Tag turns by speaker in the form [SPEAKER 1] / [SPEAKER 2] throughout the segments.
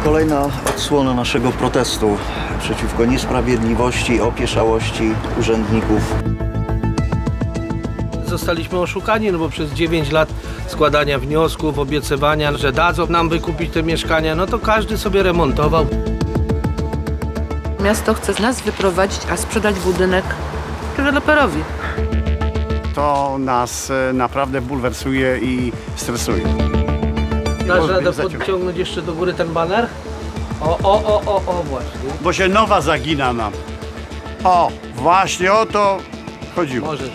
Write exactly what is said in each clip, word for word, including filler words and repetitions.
[SPEAKER 1] Kolejna odsłona naszego protestu przeciwko niesprawiedliwości, opieszałości urzędników.
[SPEAKER 2] Zostaliśmy oszukani, no bo przez dziewięć lat składania wniosków, obiecywania, że dadzą nam wykupić te mieszkania, no to każdy sobie remontował.
[SPEAKER 3] Miasto chce nas wyprowadzić, a sprzedać budynek deweloperowi.
[SPEAKER 4] To nas naprawdę bulwersuje i stresuje.
[SPEAKER 2] Dasz radę podciągnąć jeszcze do góry ten baner? O, o, o, o, o, właśnie.
[SPEAKER 4] Bo się nowa zagina nam. O, właśnie o to chodziło.
[SPEAKER 2] Możesz.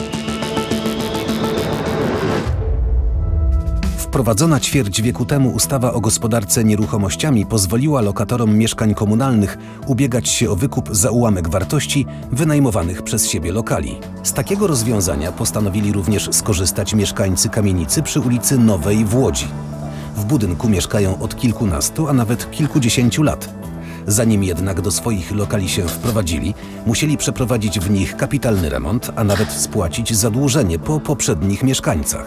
[SPEAKER 5] Wprowadzona ćwierć wieku temu ustawa o gospodarce nieruchomościami pozwoliła lokatorom mieszkań komunalnych ubiegać się o wykup za ułamek wartości wynajmowanych przez siebie lokali. Z takiego rozwiązania postanowili również skorzystać mieszkańcy kamienicy przy ulicy Nowej w Łodzi. W budynku mieszkają od kilkunastu, a nawet kilkudziesięciu lat. Zanim jednak do swoich lokali się wprowadzili, musieli przeprowadzić w nich kapitalny remont, a nawet spłacić zadłużenie po poprzednich mieszkańcach.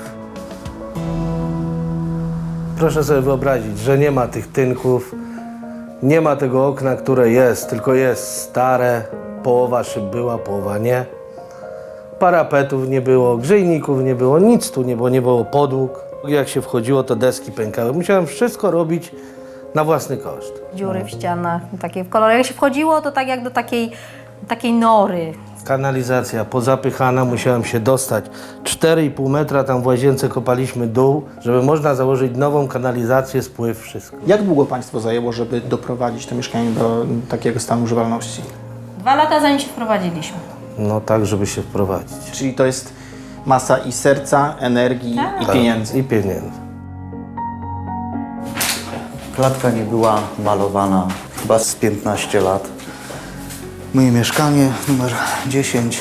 [SPEAKER 2] Proszę sobie wyobrazić, że nie ma tych tynków, nie ma tego okna, które jest, tylko jest stare, połowa szyb była, połowa nie. Parapetów nie było, grzejników nie było, nic tu nie było, nie było podłóg. Jak się wchodziło, to deski pękały. Musiałem wszystko robić na własny koszt.
[SPEAKER 6] Dziury w ścianach, takie w kolorach. Jak się wchodziło, to tak jak do takiej, takiej nory.
[SPEAKER 2] Kanalizacja pozapychana, musiałem się dostać. cztery i pół metra tam w łazience kopaliśmy dół, żeby można założyć nową kanalizację, spływ, wszystko.
[SPEAKER 7] Jak długo Państwo zajęło, żeby doprowadzić to mieszkanie do takiego stanu używalności?
[SPEAKER 6] Dwa lata zanim się wprowadziliśmy.
[SPEAKER 2] No tak, żeby się wprowadzić.
[SPEAKER 7] Czyli to jest masa i serca, energii
[SPEAKER 6] Tak.
[SPEAKER 7] i pieniędzy.
[SPEAKER 2] I pieniędzy.
[SPEAKER 1] Klatka nie była malowana chyba z piętnaście lat. Moje mieszkanie numer dziesięć.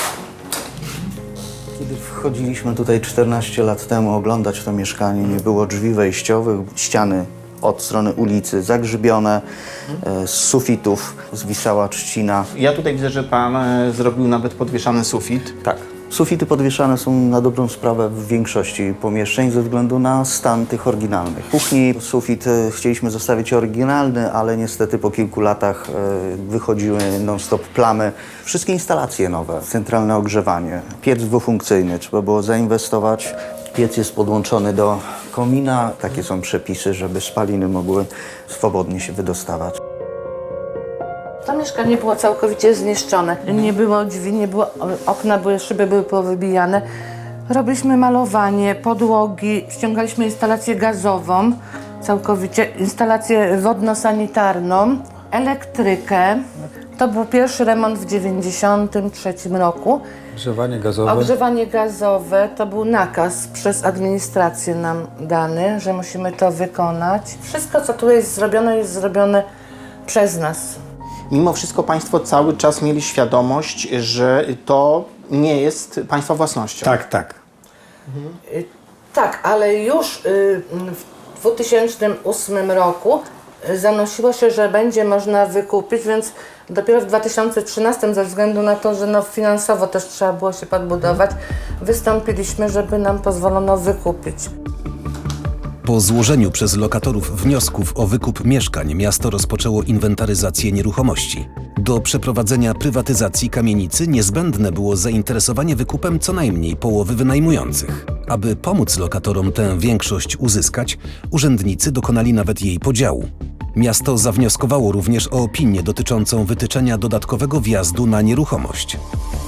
[SPEAKER 1] Kiedy wchodziliśmy tutaj czternaście lat temu oglądać to mieszkanie, nie było drzwi wejściowych, ściany od strony ulicy zagrzybione, e, z sufitów zwisała trzcina.
[SPEAKER 7] Ja tutaj widzę, że Pan e, zrobił nawet podwieszany sufit.
[SPEAKER 1] Tak. Sufity podwieszane są na dobrą sprawę w większości pomieszczeń ze względu na stan tych oryginalnych. W kuchni sufit e, chcieliśmy zostawić oryginalny, ale niestety po kilku latach e, wychodziły non-stop plamy. Wszystkie instalacje nowe, centralne ogrzewanie, piec dwufunkcyjny, trzeba było zainwestować. Piec jest podłączony do komina. Takie są przepisy, żeby spaliny mogły swobodnie się wydostawać.
[SPEAKER 3] To mieszkanie było całkowicie zniszczone. Nie było drzwi, nie było okna, były, szyby były powybijane. Robiliśmy malowanie, podłogi, ściągaliśmy instalację gazową, całkowicie instalację wodno-sanitarną, elektrykę. To był pierwszy remont w dziewięćdziesiątym trzecim roku.
[SPEAKER 8] Ogrzewanie gazowe.
[SPEAKER 3] Ogrzewanie gazowe to był nakaz przez administrację nam dany, że musimy to wykonać. Wszystko, co tu jest zrobione, jest zrobione przez nas.
[SPEAKER 7] Mimo wszystko Państwo cały czas mieli świadomość, że to nie jest Państwa własnością.
[SPEAKER 4] Tak, tak.
[SPEAKER 3] Y, Tak, ale już y, w dwa tysiące ósmym roku y, zanosiło się, że będzie można wykupić, więc dopiero w dwa tysiące trzynastym ze względu na to, że no finansowo też trzeba było się podbudować, wystąpiliśmy, żeby nam pozwolono wykupić.
[SPEAKER 5] Po złożeniu przez lokatorów wniosków o wykup mieszkań miasto rozpoczęło inwentaryzację nieruchomości. Do przeprowadzenia prywatyzacji kamienicy niezbędne było zainteresowanie wykupem co najmniej połowy wynajmujących. Aby pomóc lokatorom tę większość uzyskać, urzędnicy dokonali nawet jej podziału. Miasto zawnioskowało również o opinię dotyczącą wytyczenia dodatkowego wjazdu na nieruchomość.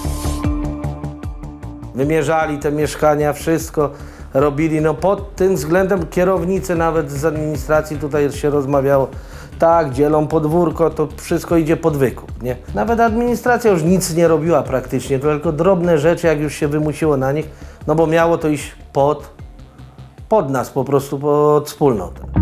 [SPEAKER 2] Wymierzali te mieszkania, wszystko robili. No pod tym względem kierownicy nawet z administracji tutaj się rozmawiało. Tak, dzielą podwórko, to wszystko idzie pod wykup, nie? Nawet administracja już nic nie robiła praktycznie, tylko drobne rzeczy, jak już się wymusiło na nich, no bo miało to iść pod, pod nas po prostu, pod wspólnotę.